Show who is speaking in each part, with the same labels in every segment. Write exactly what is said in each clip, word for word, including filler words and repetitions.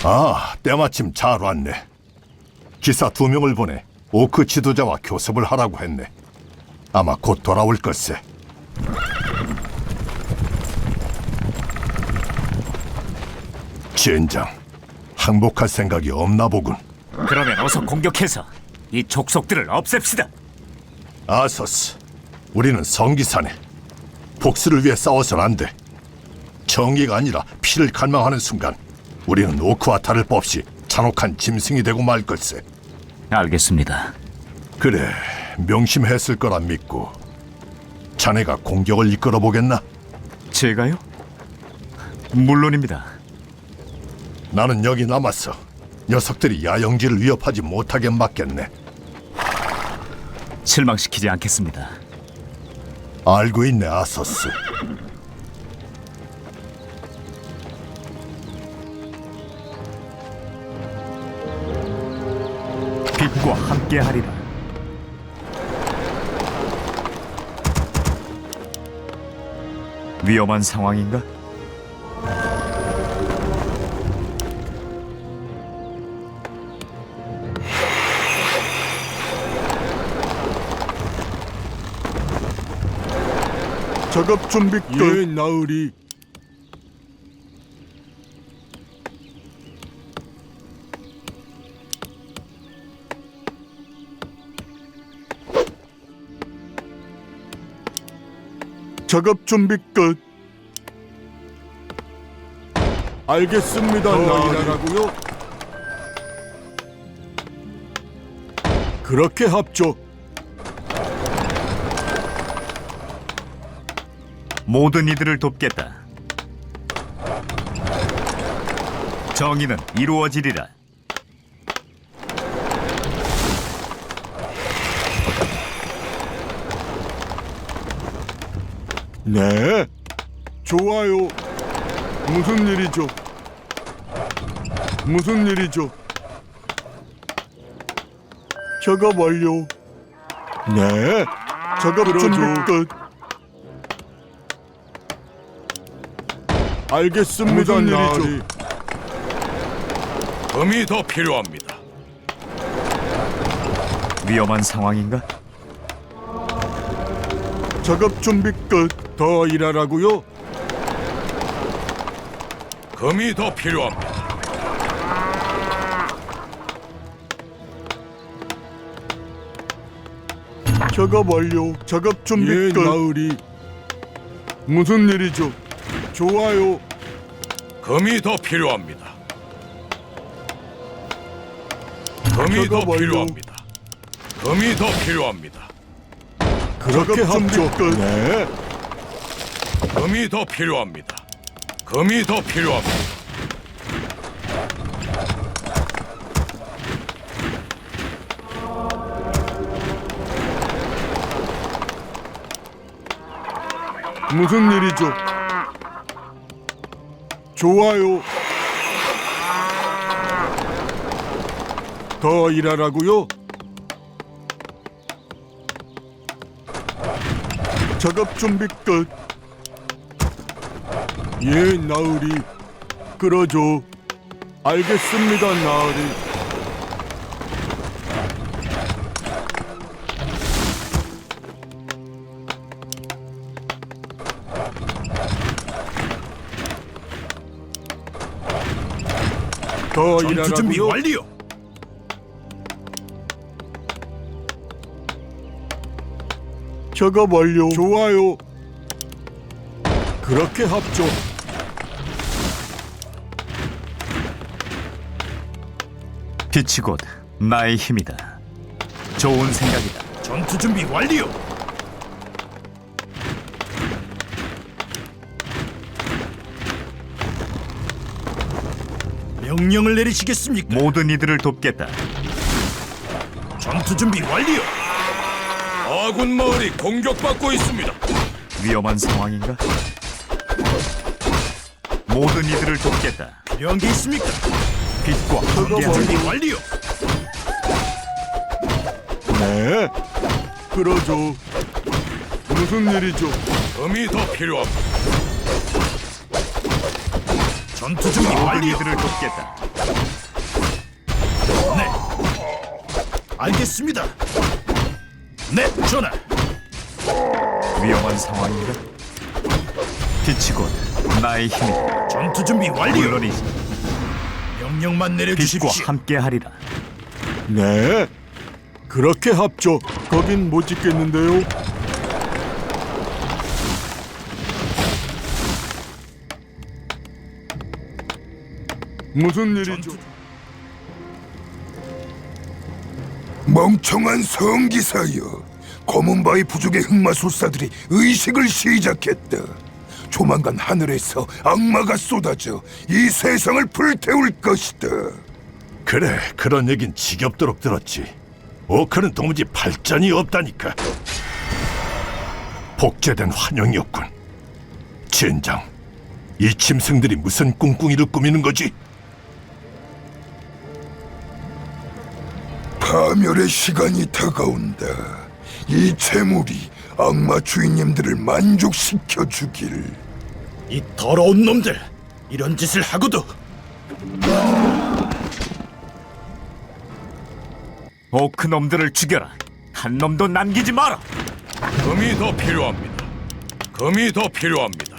Speaker 1: 아, 때마침 잘 왔네. 기사 두 명을 보내 오크 지도자와 교섭을 하라고 했네. 아마 곧 돌아올 걸세. 젠장, 항복할 생각이 없나 보군.
Speaker 2: 그러면 어서 공격해서 이 족속들을 없앱시다.
Speaker 1: 아서스, 우리는 성기사네. 복수를 위해 싸워선 안 돼. 정의가 아니라 피를 갈망하는 순간 우리는 오크와 다를 바 없이 잔혹한 짐승이 되고 말 걸세.
Speaker 2: 알겠습니다.
Speaker 1: 그래, 명심했을 거라 믿고. 자네가 공격을 이끌어 보겠나?
Speaker 2: 제가요? 물론입니다.
Speaker 1: 나는 여기 남았어. 녀석들이 야영지를 위협하지 못하게 막겠네.
Speaker 2: 실망시키지 않겠습니다.
Speaker 1: 알고 있네, 아서스.
Speaker 2: 빛과 함께하리라. 위험한 상황인가?
Speaker 1: 작업 준비 끝.
Speaker 3: 예, 나으리.
Speaker 1: 작업 준비 끝.
Speaker 3: 알겠습니다, 나으리라고요. 그렇게 합죠.
Speaker 2: 모든 이들을 돕겠다. 정의는 이루어지리라.
Speaker 3: 네, 좋아요. 무슨 일이죠? 무슨 일이죠? 작업 완료. 네, 작업 준비 끝. 알겠습니다,
Speaker 1: 무슨
Speaker 3: 나으리.
Speaker 1: 일이죠?
Speaker 3: 금이 더 필요합니다.
Speaker 2: 위험한 상황인가?
Speaker 3: 작업 준비 끝. 더 일하라고요? 금이 더 필요합니다. 작업 완료. 작업 준비
Speaker 1: 예,
Speaker 3: 끝. 나으리. 무슨 일이죠? 좋아요. 금이 더 필요합니다. 금이 더
Speaker 1: 완료.
Speaker 3: 필요합니다. 금이 더 필요합니다. 그렇게 합죠. 네. 금이 더 필요합니다. 금이 더 필요합니다. 무슨 일이죠? 좋아요. 더 일하라고요? 작업 준비 끝. 예, 나으리. 그러죠. 알겠습니다, 나으리. 더
Speaker 1: 전투 준비
Speaker 3: 일하라고요?
Speaker 1: 완료.
Speaker 3: 작업 완료. 좋아요. 그렇게 합죠.
Speaker 2: 빛이 곧 나의 힘이다. 좋은 생각이다.
Speaker 1: 전투 준비 완료. 명령을 내리시겠습니까?
Speaker 2: 모든 이들을 돕겠다.
Speaker 1: 전투 준비 완료.
Speaker 3: 아군 마을이 공격받고 있습니다.
Speaker 2: 위험한 상황인가? 모든 이들을 돕겠다.
Speaker 1: 필요한 게 있습니까?
Speaker 2: 빛과
Speaker 1: 전투
Speaker 2: 함께하리라.
Speaker 1: 준비 완료.
Speaker 3: 네. 그러죠. 무슨 일이죠? 금이 더 필요합니다.
Speaker 1: 전투 준비
Speaker 2: 모든
Speaker 1: 완료.
Speaker 2: 이들을 돕겠다.
Speaker 1: 네. 알겠습니다. 네, 전하.
Speaker 2: 위험한 상황인가? 빛이 곧 나의 힘이다.
Speaker 1: 전투 준비 완료.
Speaker 2: 물론이지.
Speaker 1: 명령만
Speaker 2: 빛과
Speaker 1: 내려주십시오.
Speaker 2: 함께하리라.
Speaker 3: 네. 그렇게 합죠. 거긴 못 짓겠는데요. 무슨 일이죠?
Speaker 4: 멍청한 성기사여, 검은바위 부족의 흑마술사들이 의식을 시작했다. 조만간 하늘에서 악마가 쏟아져 이 세상을 불태울 것이다.
Speaker 1: 그래, 그런 얘긴 지겹도록 들었지. 오크는 도무지 발전이 없다니까. 복제된 환영이었군. 젠장, 이 짐승들이 무슨 꿍꿍이를 꾸미는 거지?
Speaker 4: 파멸의 시간이 다가온다. 이 재물이 악마 주인님들을 만족시켜 주길.
Speaker 1: 이 더러운 놈들, 이런 짓을 하고도.
Speaker 2: 오크 놈들을 죽여라. 한 놈도 남기지 마라.
Speaker 5: 금이 더 필요합니다. 금이 더 필요합니다.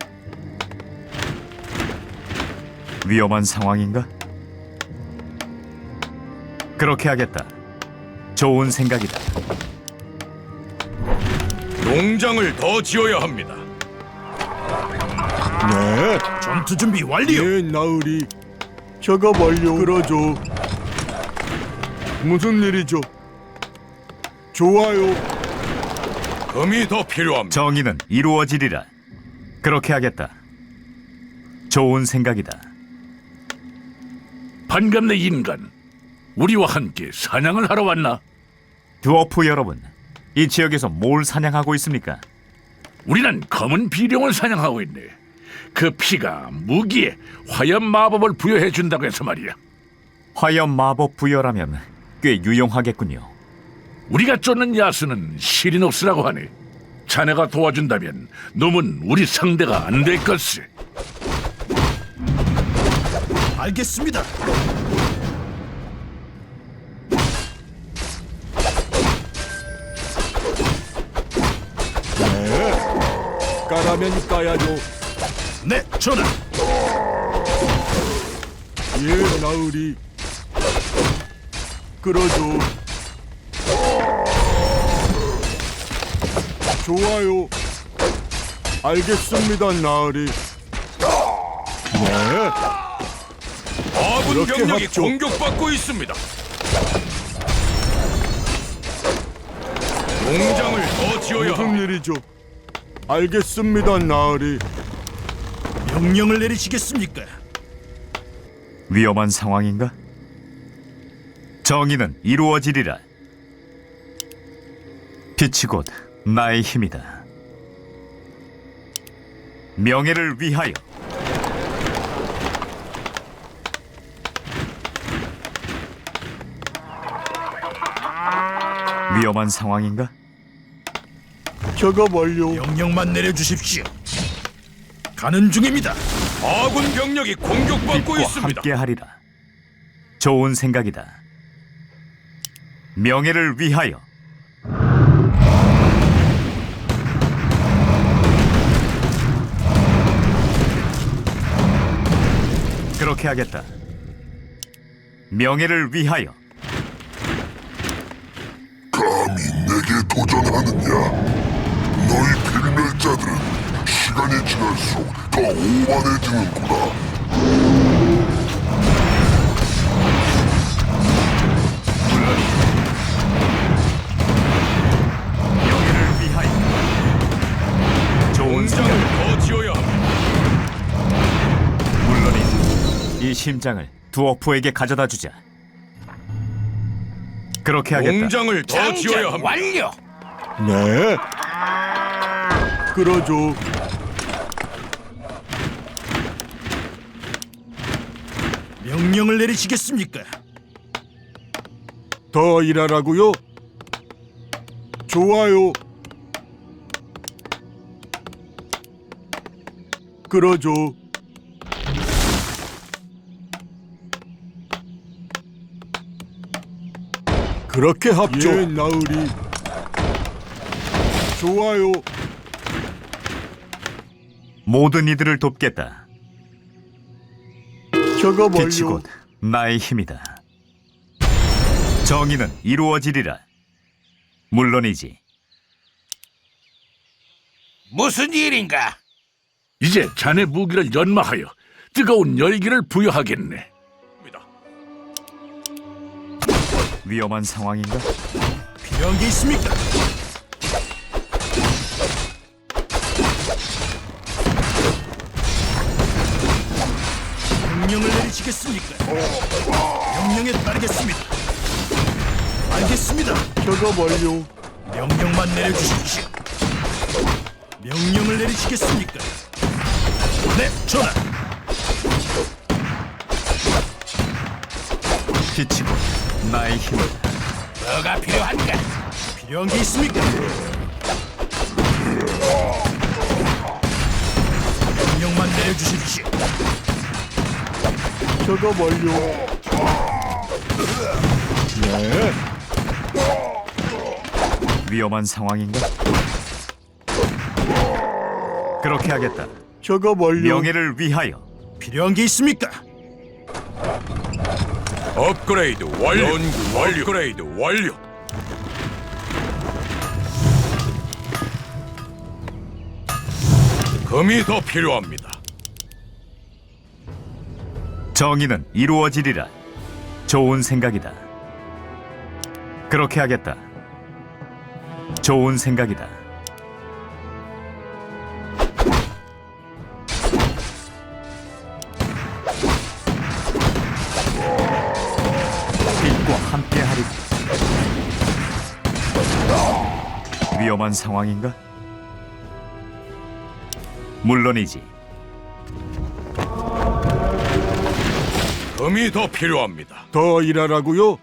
Speaker 2: 위험한 상황인가? 그렇게 하겠다. 좋은 생각이다.
Speaker 5: 농장을 더 지어야 합니다.
Speaker 3: 네.
Speaker 1: 전투 준비 완료.
Speaker 3: 예, 나으리. 작업 완료. 그러죠. 무슨 일이죠? 좋아요.
Speaker 5: 금이 더 필요합니다.
Speaker 2: 정의는 이루어지리라. 그렇게 하겠다. 좋은 생각이다.
Speaker 6: 반갑네 인간. 우리와 함께 사냥을 하러 왔나?
Speaker 2: 드워프 여러분, 이 지역에서 뭘 사냥하고 있습니까?
Speaker 6: 우리는 검은 비룡을 사냥하고 있네. 그 피가 무기에 화염 마법을 부여해 준다고 해서 말이야.
Speaker 2: 화염 마법 부여라면 꽤 유용하겠군요.
Speaker 6: 우리가 쫓는 야수는 시리노스라고 하네. 자네가 도와준다면 놈은 우리 상대가 안 될 것을.
Speaker 1: 알겠습니다.
Speaker 3: 까라면 까야죠.
Speaker 1: 네, 전하.
Speaker 3: 예, 나으리. 그러죠. 좋아요. 알겠습니다, 나으리. 네.
Speaker 5: 아군
Speaker 3: 그렇게
Speaker 5: 병력이
Speaker 3: 합죠.
Speaker 5: 공격받고 있습니다. 농장을 더 지어야
Speaker 3: 무슨
Speaker 5: 합니다.
Speaker 3: 일이죠? 알겠습니다, 나으리.
Speaker 1: 명령을 내리시겠습니까?
Speaker 2: 위험한 상황인가? 정의는 이루어지리라. 빛이 곧 나의 힘이다. 명예를 위하여. 위험한 상황인가?
Speaker 3: 작업 완료.
Speaker 1: 명령만 내려주십시오. 가는 중입니다.
Speaker 5: 아군 병력이 공격받고
Speaker 2: 빛과
Speaker 5: 있습니다.
Speaker 2: 함께하리라. 좋은 생각이다. 명예를 위하여. 그렇게 하겠다. 명예를 위하여.
Speaker 4: 감히 내게 도전하느냐? 너희 필멸자들은 시간이 지날수록 더 오만해지는구나.
Speaker 2: 명예를 위하여. 좋은 생각.
Speaker 5: 농장을 더 지어야 합니다.
Speaker 2: 물론이지. 이 심장을 두어프에게 가져다 주자. 그렇게 하겠다.
Speaker 5: 농장을 더 지어야 합니다.
Speaker 6: 완료.
Speaker 3: 네. 그러죠.
Speaker 1: 명령을 내리시겠습니까?
Speaker 3: 더 일하라고요? 좋아요. 그렇게 합죠. 예, 나으리. 좋아요.
Speaker 2: 모든 이들을 돕겠다.
Speaker 3: 작업
Speaker 2: 빛이
Speaker 3: 완료.
Speaker 2: 곧 나의 힘이다. 정의는 이루어지리라. 물론이지.
Speaker 5: 무슨 일인가?
Speaker 6: 이제 자네 무기를 연마하여 뜨거운 열기를 부여하겠네.
Speaker 2: 위험한 상황인가?
Speaker 3: 필요한 게 있습니까? 명령을 내리시겠습니까? 명령에 따르겠습니다. 알겠습니다. 작업 완료. 명령만 내려주십시오. 명령을 내리시겠습니까? 네, 전하.
Speaker 2: 빛이 곧 나의 힘이다.
Speaker 5: 뭐가 필요한가?
Speaker 3: 필요한 게 있습니까? 명령만 내려주십시오. 작업 완료. 네.
Speaker 2: 위험한 상황인가? 그렇게 하겠다.
Speaker 3: 작업 완료.
Speaker 2: 명예를 위하여.
Speaker 3: 필요한 게 있습니까?
Speaker 5: 업그레이드 완료. 연구 완료. 업그레이드 완료. 금이 더 필요합니다.
Speaker 2: 정의는 이루어지리라. 좋은 생각이다. 그렇게 하겠다. 좋은 생각이다. 빛과 함께하리라. 위험한 상황인가? 물론이지.
Speaker 5: 금이 더 필요합니다.
Speaker 3: 더 일하라고요?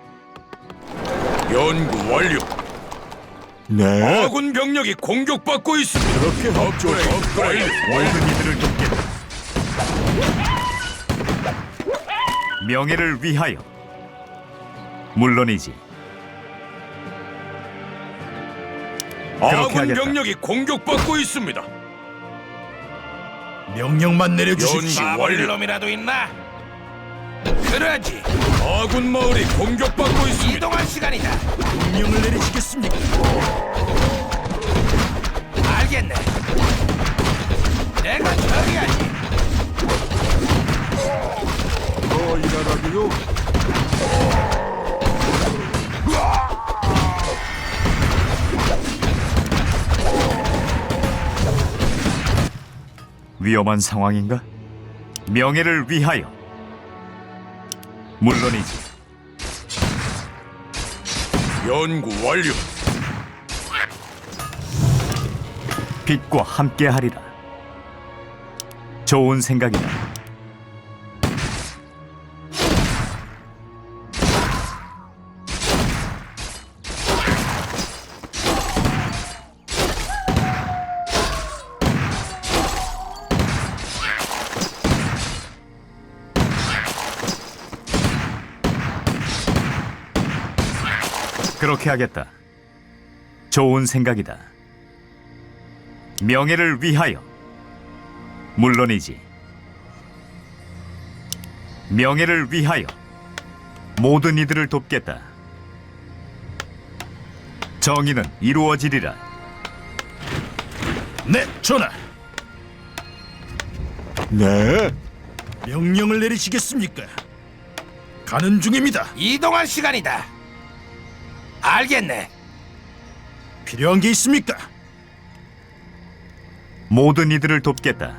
Speaker 5: 연구 완료.
Speaker 3: 네.
Speaker 5: 아군 병력이 공격받고 있습니다.
Speaker 3: 그렇게 합죠.
Speaker 5: 업그레이드 완료.
Speaker 2: 모든 이들을 돕겠다. 명예를 위하여. 물론이지.
Speaker 5: 아군
Speaker 2: 하겠다.
Speaker 5: 병력이 공격받고 있습니다.
Speaker 3: 명령만 내려주십시오.
Speaker 5: 연구 완료. 놈이라도 있나? 그러지. 아군 마을이 공격받고 있습니다. 이동할 시간이다.
Speaker 3: 명령을 내리시겠습니까?
Speaker 5: 알겠네. 내가 처리하지.
Speaker 3: 더 일하라고요?
Speaker 2: 위험한 상황인가? 명예를 위하여. 물론이지.
Speaker 5: 연구 완료.
Speaker 2: 빛과 함께하리라. 좋은 생각이다. 그렇게 하겠다. 좋은 생각이다. 명예를 위하여. 물론이지. 명예를 위하여. 모든 이들을 돕겠다. 정의는 이루어지리라.
Speaker 3: 네, 전하. 네. 명령을 내리시겠습니까? 가는 중입니다.
Speaker 5: 이동할 시간이다. 알겠네.
Speaker 3: 필요한 게 있습니까?
Speaker 2: 모든 이들을 돕겠다.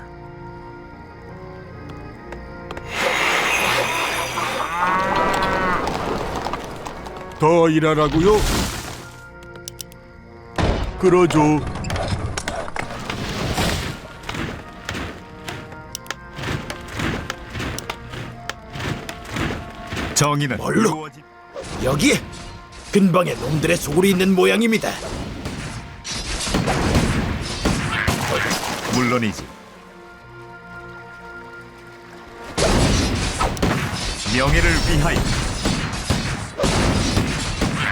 Speaker 3: 더 일하라고요? 그러죠.
Speaker 2: 정의는
Speaker 3: 뭘로?
Speaker 2: 이루어지...
Speaker 3: 여기 근방에 놈들의 소굴이 있는 모양입니다.
Speaker 2: 물론이지. 명예를 위하여.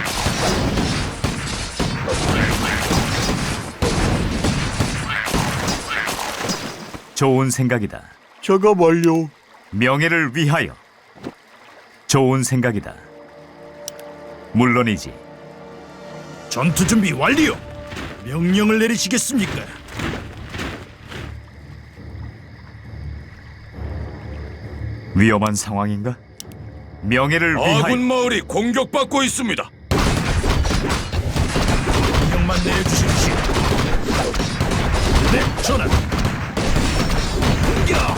Speaker 2: 좋은 생각이다.
Speaker 3: 작업 완료.
Speaker 2: 명예를 위하여. 좋은 생각이다. 물론이지.
Speaker 3: 전투 준비 완료. 명령을 내리시겠습니까?
Speaker 2: 위험한 상황인가? 명예를 위하여.
Speaker 5: 아군 마을이 공격받고 있습니다.
Speaker 3: 명령만 내려주십시오. 네, 전하. 공격!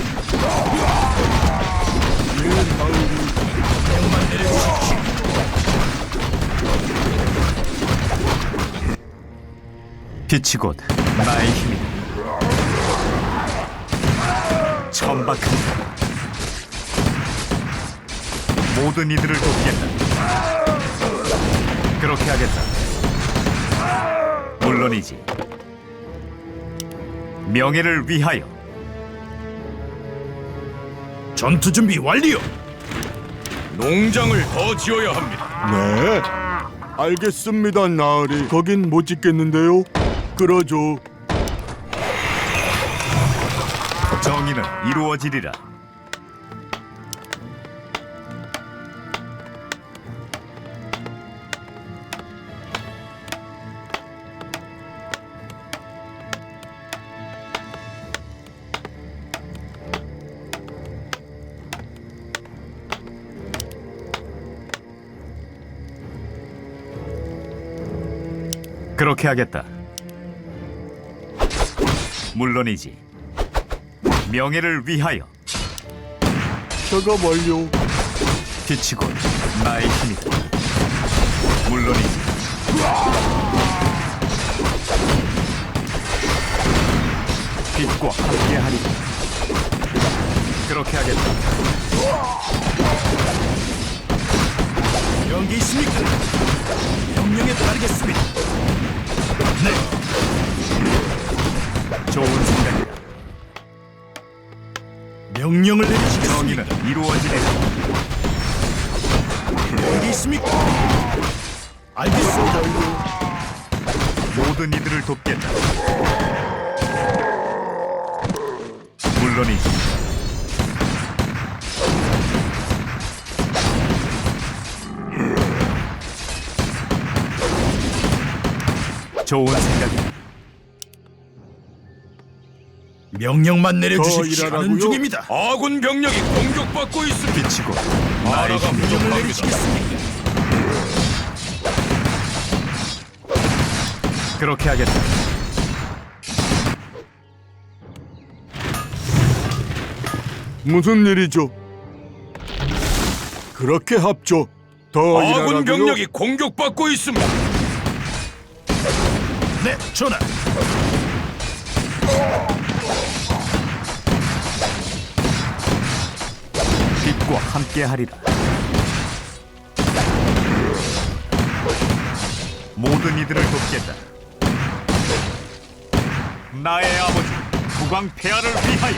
Speaker 3: 명령만 내려주십시오.
Speaker 2: 빛이 곧 나의 힘이다. 천박한다. 모든 이들을 돕겠다. 그렇게 하겠다. 물론이지. 명예를 위하여.
Speaker 3: 전투 준비 완료.
Speaker 5: 농장을 더 지어야 합니다.
Speaker 3: 네. 알겠습니다, 나으리. 거긴 못 짓겠는데요. 끌어줘.
Speaker 2: 정의는 이루어지리라. 그렇게 하겠다. 물론이지. 명예를 위하여.
Speaker 3: 작업 완료.
Speaker 2: 빛이 곧 나의 힘이다. 물론이지. 빛과 함께하리라. 그렇게 하겠다.
Speaker 3: 연기 있습니까? 명령에 따르겠습니다. 네.
Speaker 2: 좋은 생각이다.
Speaker 3: 명령을 내리시겠습니까?
Speaker 2: 정의는 이루어지리라.
Speaker 3: 연기 있습니까? 알겠습니다.
Speaker 2: 모든 이들을 돕겠다. 물론이지. 좋은 생각이다.
Speaker 3: 명령만
Speaker 4: 더
Speaker 3: 내려주십시오.
Speaker 4: 일하라고요?
Speaker 3: 하는 중입니다.
Speaker 5: 아군 병력이 공격받고 있습니다.
Speaker 2: 빛이 곧 나의
Speaker 5: 나라가
Speaker 2: 힘이다.
Speaker 3: 명령을
Speaker 5: 부족합니다.
Speaker 3: 내리시겠습니까?
Speaker 2: 그렇게 하겠다.
Speaker 3: 무슨 일이죠? 그렇게 합죠. 더
Speaker 5: 아군
Speaker 3: 일하라고요?
Speaker 5: 병력이 공격받고 있습니다.
Speaker 3: 네, 전하.
Speaker 2: 빛과 함께하리라. 모든 이들을 돕겠다. 나의 아버지 국왕 폐하를 위하여.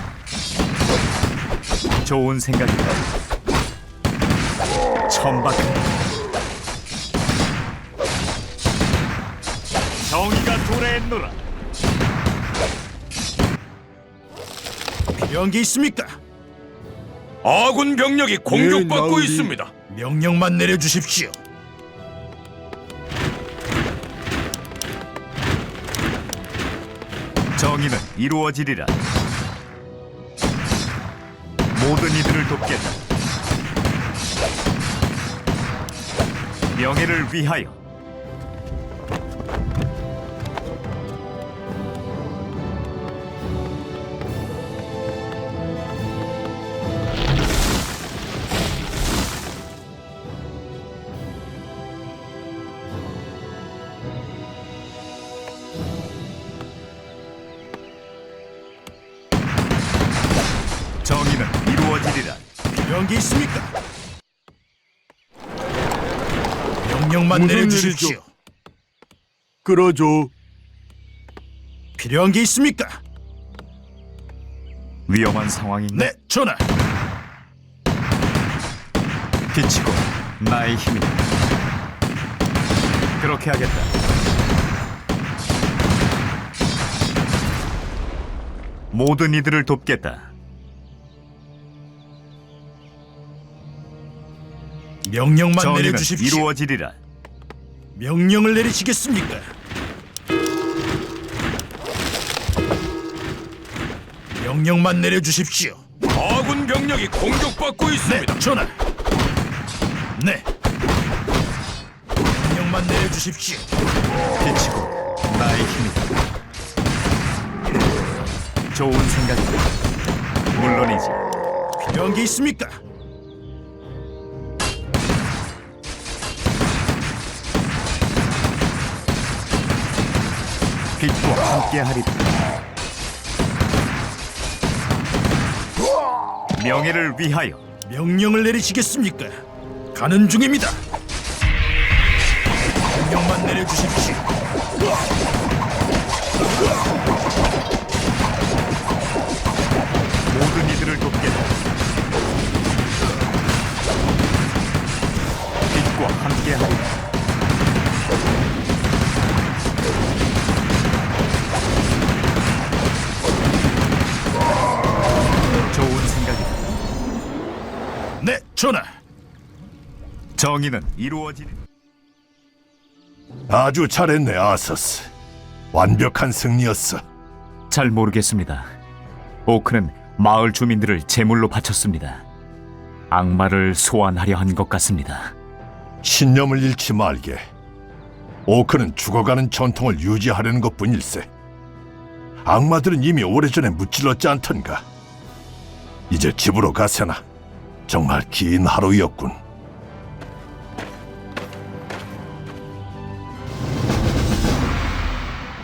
Speaker 2: 좋은 생각이다. 천박한 정의가 도래했노라.
Speaker 3: 필요한 게 있습니까?
Speaker 5: 아군 병력이 공격받고
Speaker 3: 나으리.
Speaker 5: 있습니다.
Speaker 3: 명령만 내려주십시오.
Speaker 2: 정의는 이루어지리라. 모든 이들을 돕겠다. 명예를 위하여. 정의는 이루어지리라.
Speaker 3: 필요한 게 있습니까? 명령만
Speaker 4: 무슨
Speaker 3: 내려주십시오.
Speaker 4: 일이죠?
Speaker 3: 끌어줘. 필요한 게 있습니까?
Speaker 2: 위험한 상황인가?
Speaker 3: 네, 전하.
Speaker 2: 빛이 곧 나의 힘이다. 그렇게 하겠다. 모든 이들을 돕겠다.
Speaker 3: 명령만
Speaker 2: 정의는
Speaker 3: 내려주십시오.
Speaker 2: 이루어지리라.
Speaker 3: 명령을 내리시겠습니까? 명령만 내려주십시오.
Speaker 5: 아군 병력이 공격받고 있습니다.
Speaker 3: 네, 전하. 네. 명령만 내려주십시오.
Speaker 2: 빛이고 나의 힘이다. 좋은 생각이다. 물론이지.
Speaker 3: 필요한 게 있습니까?
Speaker 2: 빛과 함께하리라. 명예를 위하여.
Speaker 3: 명령을 내리시겠습니까? 가는 중입니다. 명령만 내려주십시오.
Speaker 2: 모든 이들을 돕겠다. 빛과 함께하리라. 좋은 생각이다.
Speaker 3: 네, 전하.
Speaker 2: 정의는 이루어지리.
Speaker 1: 아주 잘했네, 아서스. 완벽한 승리였어.
Speaker 2: 잘 모르겠습니다. 오크는 마을 주민들을 제물로 바쳤습니다. 악마를 소환하려 한 것 같습니다.
Speaker 1: 신념을 잃지 말게. 오크는 죽어가는 전통을 유지하려는 것뿐일세. 악마들은 이미 오래전에 무찔렀지 않던가. 이제 집으로 가세나. 정말 긴 하루였군.